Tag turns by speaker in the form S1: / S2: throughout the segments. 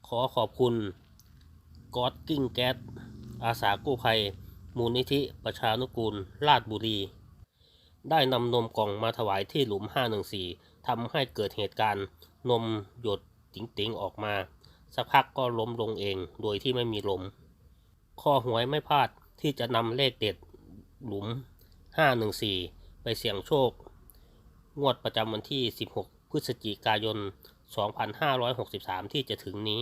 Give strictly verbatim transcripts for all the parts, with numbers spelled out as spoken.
S1: ขอขอบคุณก๊อดกิ้งแก๊สอาสากู้ภัยมูลนิธิประชานุกูลราชบุรีได้นำนมกล่องมาถวายที่หลุมห้าหนึ่งสี่ทำให้เกิดเหตุการณ์นมหยดติ๋งๆออกมาสักพักก็ล้มลงเองโดยที่ไม่มีลมข้อหวยไม่พลาดที่จะนำเลขเด็ดหลุมห้าหนึ่งสี่ไปเสี่ยงโชคงวดประจำวันที่สิบหกพฤศจิกายนสองพันห้าร้อยหกสิบสามที่จะถึงนี้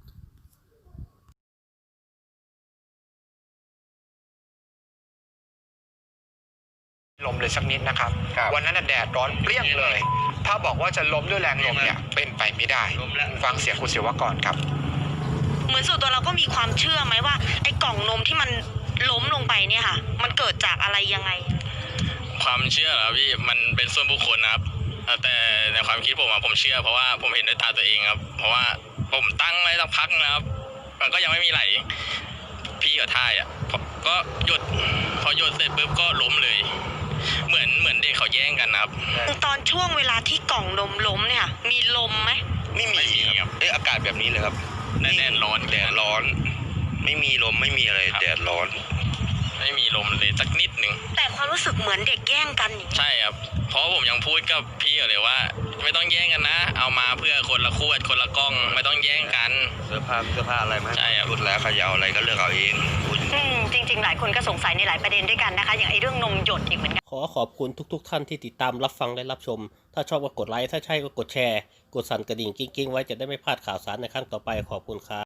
S2: ลมเลยสักนิดนะครับวันนั้นแดดร้อนเปรี้ยงเลยถ้าบอกว่าจะล้มด้วยแรงลมเนี่ยเป็นไปไม่ได้ฟังเสียงคุณศิวกรครับ
S3: เหมือนส่วนตัวเราก็มีความเชื่อไหมว่าไอ้กล่องนมที่มันล้มลงไปเนี่ยค่ะมันเกิดจากอะไรยังไง
S4: ความเชื่อเหรอพี่มันเป็นส่วนบุคคลนะครับแต่ในความคิดผมอะผมเชื่อเพราะว่าผมเห็นด้วยตาตัวเองครับเพราะว่าผมตั้งไว้สักพักนะครับมันก็ยังไม่มีไหลพี่กับท่ายอ่ะก็หยุดพอหยุดเสร็จปุ๊บก็ล้มเลยเหมือนเหมือนเด็กเขาแย่งกันนะครับ
S3: ตอนช่วงเวลาที่กล่องนมล้มเนี่ยมีลมไหม
S5: ไม่มีครับเอ๊ะอากาศแบบนี้เลยครับ
S4: แดดร้อน
S5: แดดร้อนไม่มีลมไม่มีอะไรแดดร้อน
S4: ไม่มีลมเลยสักนิดหนึ่ง
S3: แต่ความรู้สึกเหมือนเด็กแย่งกัน
S4: ใช่ครับเพราะผมยังพูดกับพี่เลยว่าไม่ต้องแย่งกันนะเอามาเพื่อคนละขวดคนละกล้องไม่ต้องแย่งกัน
S5: เสื้อผ้าเสื้อผ้าอะไรไหม
S4: ใช่ครับ
S5: พูดแล้วใครจะเอาอะไรก็เลือกเอาเอง
S3: อืมจริงๆหลายคนก็สงสัยในหลายประเด็นด้วยกันนะคะอย่างไอ้เรื่องนมหยดอีกเหมือนกัน
S1: ขอขอบคุณทุกๆท่านที่ติดตามรับฟังและรับชมถ้าชอบก็กดไลค์ถ้าใช่ก็กดแชร์กดสั่นกระดิ่งกิ้งๆไว้จะได้ไม่พลาดข่าวสารในครั้งต่อไปขอบคุณครับ